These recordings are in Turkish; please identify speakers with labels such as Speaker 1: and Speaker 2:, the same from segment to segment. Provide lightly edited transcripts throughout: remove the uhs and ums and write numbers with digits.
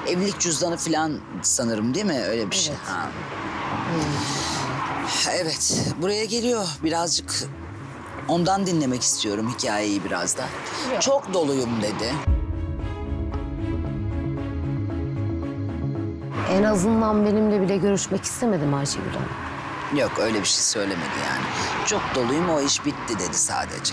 Speaker 1: evlilik cüzdanı falan sanırım değil mi? Öyle bir şey.
Speaker 2: Evet.
Speaker 1: Ha. Evet, buraya geliyor. Birazcık ondan dinlemek istiyorum hikayeyi biraz da.
Speaker 2: Yok.
Speaker 1: Çok doluyum dedi.
Speaker 2: En azından benimle bile görüşmek istemedim Ayşegül Hanım.
Speaker 1: Yok, öyle bir şey söylemedi yani. Çok doluyum, o iş bitti dedi sadece.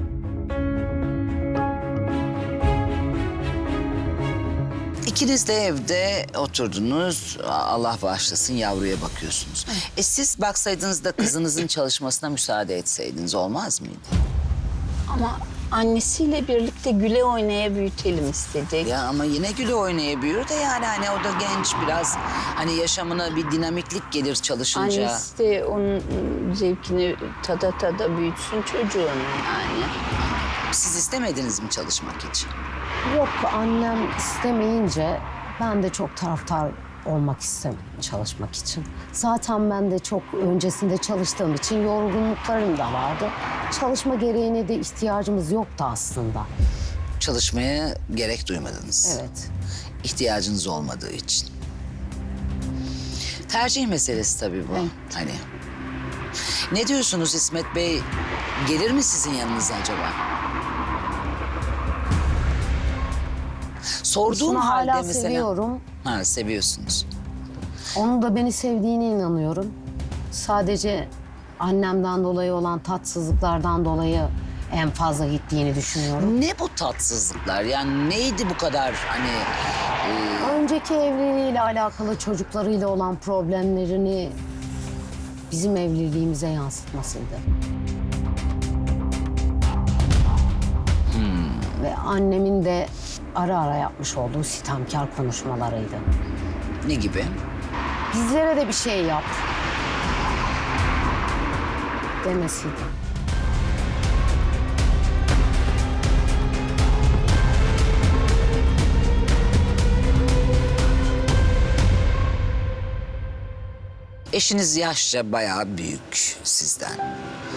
Speaker 1: İkiniz de evde oturdunuz. Allah bağışlasın, yavruya bakıyorsunuz. Siz baksaydınız da kızınızın çalışmasına müsaade etseydiniz olmaz mıydı?
Speaker 3: Ama annesiyle birlikte güle oynaya büyütelim istedik.
Speaker 1: Ya ama yine güle oynaya büyür de yani hani o da genç biraz. Hani yaşamına bir dinamiklik gelir çalışınca.
Speaker 3: Annesi de onun zevkini tada büyütsün çocuğunu yani.
Speaker 1: Siz istemediniz mi çalışmak için?
Speaker 2: Yok, annem istemeyince ben de çok taraftar olmak istemedim çalışmak için. Zaten ben de çok öncesinde çalıştığım için yorgunluklarım da vardı. Çalışma gereğine de ihtiyacımız yoktu aslında.
Speaker 1: Çalışmaya gerek duymadınız.
Speaker 2: Evet.
Speaker 1: İhtiyacınız olmadığı için. Tercih meselesi tabii bu.
Speaker 3: Evet.
Speaker 1: Hani. Ne diyorsunuz İsmet Bey? Gelir mi sizin yanınıza acaba? Sorduğum
Speaker 2: Eşimi
Speaker 1: halde
Speaker 2: hala
Speaker 1: mesela...
Speaker 2: seviyorum.
Speaker 1: Ha, seviyorsunuz.
Speaker 2: Onun da beni sevdiğine inanıyorum. Sadece annemden dolayı olan tatsızlıklardan dolayı en fazla gittiğini düşünüyorum.
Speaker 1: Ne bu tatsızlıklar? Yani neydi bu kadar hani...
Speaker 2: Önceki evliliğiyle alakalı çocuklarıyla olan problemlerini bizim evliliğimize yansıtmasıydı. Ve annemin de ara ara yapmış olduğu sitemkar konuşmalarıydı.
Speaker 1: Ne gibi?
Speaker 2: Bizlere de bir şey yap demesiydi.
Speaker 1: Eşiniz yaşça bayağı büyük sizden.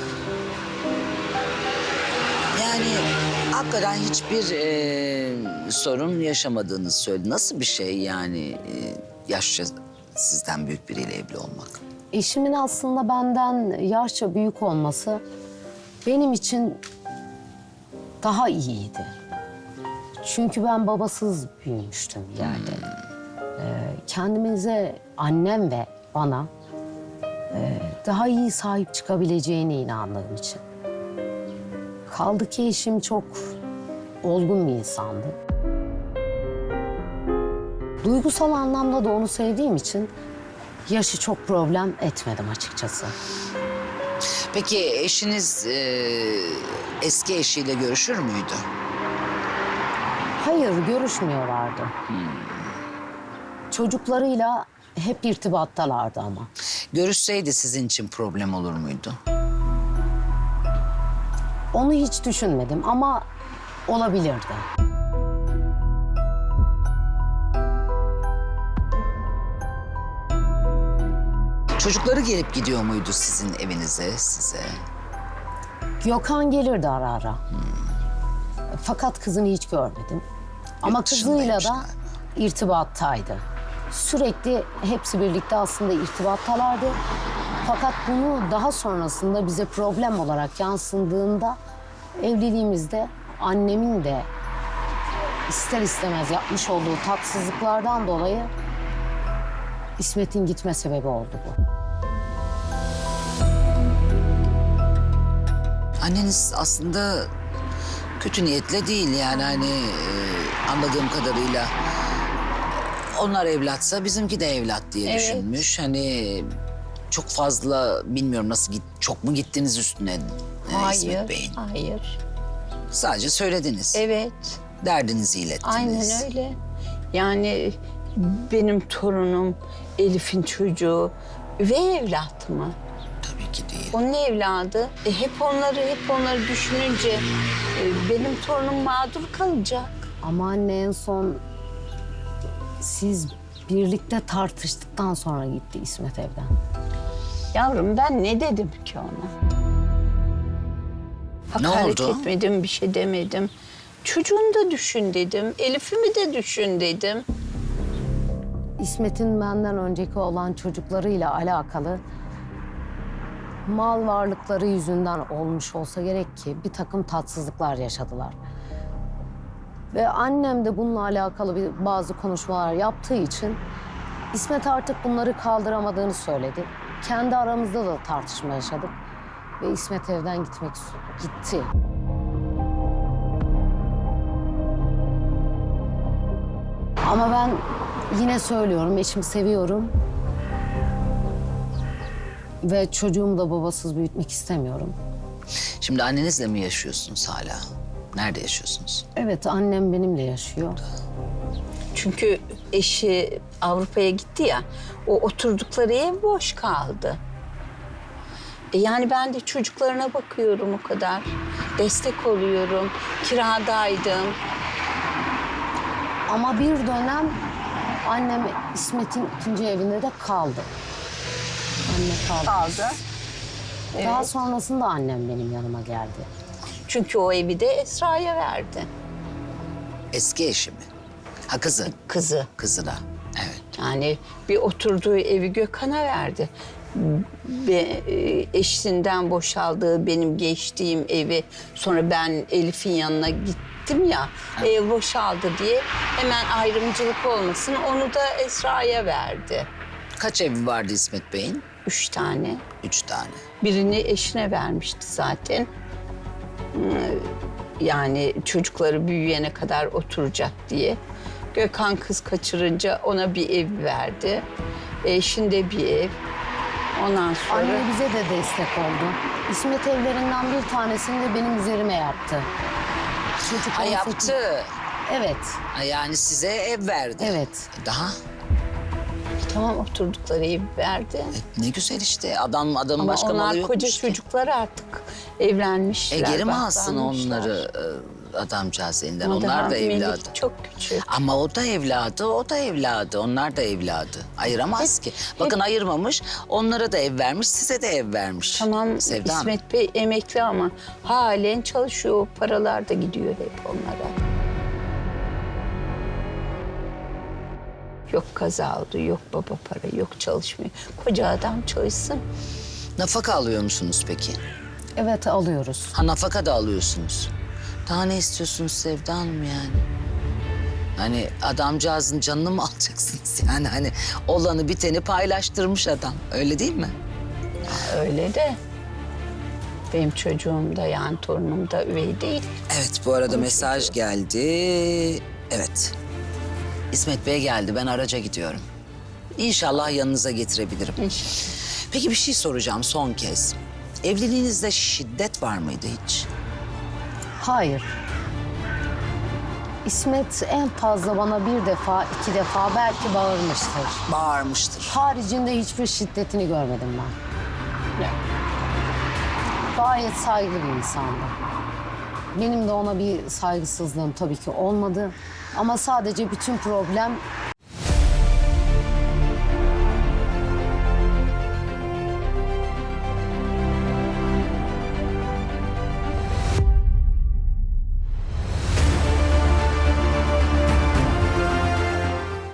Speaker 1: Yani hakikaten hiçbir sorun yaşamadığınızı söyledi. Nasıl bir şey yani yaşça sizden büyük biriyle evli olmak?
Speaker 2: Eşimin aslında benden yaşça büyük olması benim için daha iyiydi. Çünkü ben babasız büyümüştüm yani. Kendimize, annem ve bana daha iyi sahip çıkabileceğine inandığım için. Kaldı ki eşim çok olgun bir insandı. Duygusal anlamda da onu sevdiğim için yaşı çok problem etmedim açıkçası.
Speaker 1: Peki eşiniz eski eşiyle görüşür müydü?
Speaker 2: Hayır, görüşmüyorlardı. Çocuklarıyla hep irtibattalardı ama.
Speaker 1: Görüşseydi sizin için problem olur muydu?
Speaker 2: Onu hiç düşünmedim ama olabilirdi.
Speaker 1: Çocukları gelip gidiyor muydu sizin evinize, size?
Speaker 2: Gökhan gelirdi ara ara. Fakat kızını hiç görmedim. Ama
Speaker 1: Yurt
Speaker 2: kızıyla
Speaker 1: dışındaymış
Speaker 2: da
Speaker 1: galiba.
Speaker 2: irtibattaydı. Sürekli hepsi birlikte aslında irtibattalardı. Fakat bunu daha sonrasında bize problem olarak yansıdığında evliliğimizde annemin de ister istemez yapmış olduğu tatsızlıklardan dolayı İsmet'in gitme sebebi oldu bu.
Speaker 1: Anneniz aslında kötü niyetle değil yani hani anladığım kadarıyla onlar evlatsa bizimki de evlat diye
Speaker 3: Evet.
Speaker 1: düşünmüş. Hani çok fazla bilmiyorum nasıl çok mu gittiniz üstüne İsmet Bey'in?
Speaker 3: Hayır.
Speaker 1: Sadece söylediniz.
Speaker 3: Evet,
Speaker 1: Derdinizi ilettiniz.
Speaker 3: aynen öyle. Yani benim torunum, Elif'in çocuğu ve evlat mı?
Speaker 1: Tabii ki değil.
Speaker 3: Onun evladı. Hep onları düşününce benim torunum mağdur kalacak.
Speaker 2: Ama anne en son siz birlikte tartıştıktan sonra gitti İsmet evden.
Speaker 3: Yavrum ben ne dedim ki ona?
Speaker 1: Ne
Speaker 3: Hakaret
Speaker 1: oldu?
Speaker 3: etmedim, bir şey demedim. Çocuğunu da düşün dedim, Elif'imi de düşün dedim.
Speaker 2: İsmet'in benden önceki olan çocuklarıyla alakalı mal varlıkları yüzünden olmuş olsa gerek ki bir takım tatsızlıklar yaşadılar. Ve annem de bununla alakalı bazı konuşmalar yaptığı için İsmet artık bunları kaldıramadığını söyledi. Kendi aramızda da tartışma yaşadık ve İsmet evden gitti. Ama ben yine söylüyorum, eşimi seviyorum. Ve çocuğumu da babasız büyütmek istemiyorum.
Speaker 1: Şimdi annenizle mi yaşıyorsunuz hala? Nerede yaşıyorsunuz?
Speaker 2: Evet, annem benimle yaşıyor.
Speaker 3: Çünkü eşi Avrupa'ya gitti ya, o oturdukları ev boş kaldı. Yani ben de çocuklarına bakıyorum o kadar. Destek oluyorum, kiradaydım.
Speaker 2: Ama bir dönem annem İsmet'in ikinci evinde de kaldı. Anne kaldı. Daha
Speaker 3: Evet.
Speaker 2: sonrasında annem benim yanıma geldi.
Speaker 3: Çünkü o evi de Esra'ya verdi.
Speaker 1: Eski eşi mi? Ha kızı.
Speaker 3: Kızı.
Speaker 1: Kızına. Evet.
Speaker 3: Yani bir oturduğu evi Gökhan'a verdi. Eşinden boşaldığı benim geçtiğim evi, sonra ben Elif'in yanına gittim ya, ev boşaldı diye hemen ayrımcılık olmasın, onu da Esra'ya verdi.
Speaker 1: Kaç evi vardı İsmet Bey'in?
Speaker 3: 3 tane.
Speaker 1: 3 tane.
Speaker 3: Birini eşine vermişti zaten. Yani çocukları büyüyene kadar oturacak diye. Gökhan kız kaçırınca ona bir ev verdi. Eşinde bir ev. Ondan sonra...
Speaker 2: Anne bize de destek oldu. İsmet evlerinden bir tanesini de benim üzerime yaptı. Çocuk
Speaker 1: Ha
Speaker 2: 18
Speaker 1: yaptı.
Speaker 2: Evet,
Speaker 1: Ha, yani size ev verdi.
Speaker 2: evet.
Speaker 1: Daha
Speaker 3: Tamam, oturdukları evi verdi.
Speaker 1: ne güzel işte. Adamın
Speaker 3: Ama
Speaker 1: başka malı
Speaker 3: onlar
Speaker 1: yokmuş
Speaker 3: koca
Speaker 1: ki.
Speaker 3: çocuklar artık evlenmişler.
Speaker 1: Geri mi alsın
Speaker 3: baklanmışlar.
Speaker 1: onları adamcağız elinden?
Speaker 3: Ama
Speaker 1: Onlar
Speaker 3: daha
Speaker 1: da
Speaker 3: Melih
Speaker 1: evladı.
Speaker 3: çok küçük.
Speaker 1: Ama o da evladı, o da evladı. Onlar da evladı. Ayıramaz ki. Bakın ayırmamış, onlara da ev vermiş, size de ev vermiş.
Speaker 3: Tamam,
Speaker 1: Sevda Hanım.
Speaker 3: İsmet Bey emekli ama halen çalışıyor. O paralar da gidiyor hep onlara. Yok kaza oldu, yok baba para, yok çalışmıyor. Koca adam çalışsın.
Speaker 1: Nafaka alıyor musunuz peki?
Speaker 2: Evet, alıyoruz.
Speaker 1: Ha nafaka da alıyorsunuz. Daha ne istiyorsunuz Sevda Hanım yani? Hani adamcağızın canını mı alacaksınız yani? Hani olanı biteni paylaştırmış adam. Öyle değil mi?
Speaker 3: Öyle de benim çocuğum da yani torunum da üvey değil.
Speaker 1: Evet bu arada mesaj geldi. Evet. İsmet Bey geldi. Ben araca gidiyorum. İnşallah yanınıza getirebilirim.
Speaker 3: İnşallah.
Speaker 1: Peki bir şey soracağım son kez. Evliliğinizde şiddet var mıydı hiç?
Speaker 2: Hayır. İsmet en fazla bana bir defa, iki defa belki bağırmıştır.
Speaker 1: Bağırmıştır.
Speaker 2: Haricinde hiçbir şiddetini görmedim ben.
Speaker 3: Ya,
Speaker 2: Gayet saygılı bir insandı. Benim de ona bir saygısızlığım tabii ki olmadı. Ama sadece bütün problem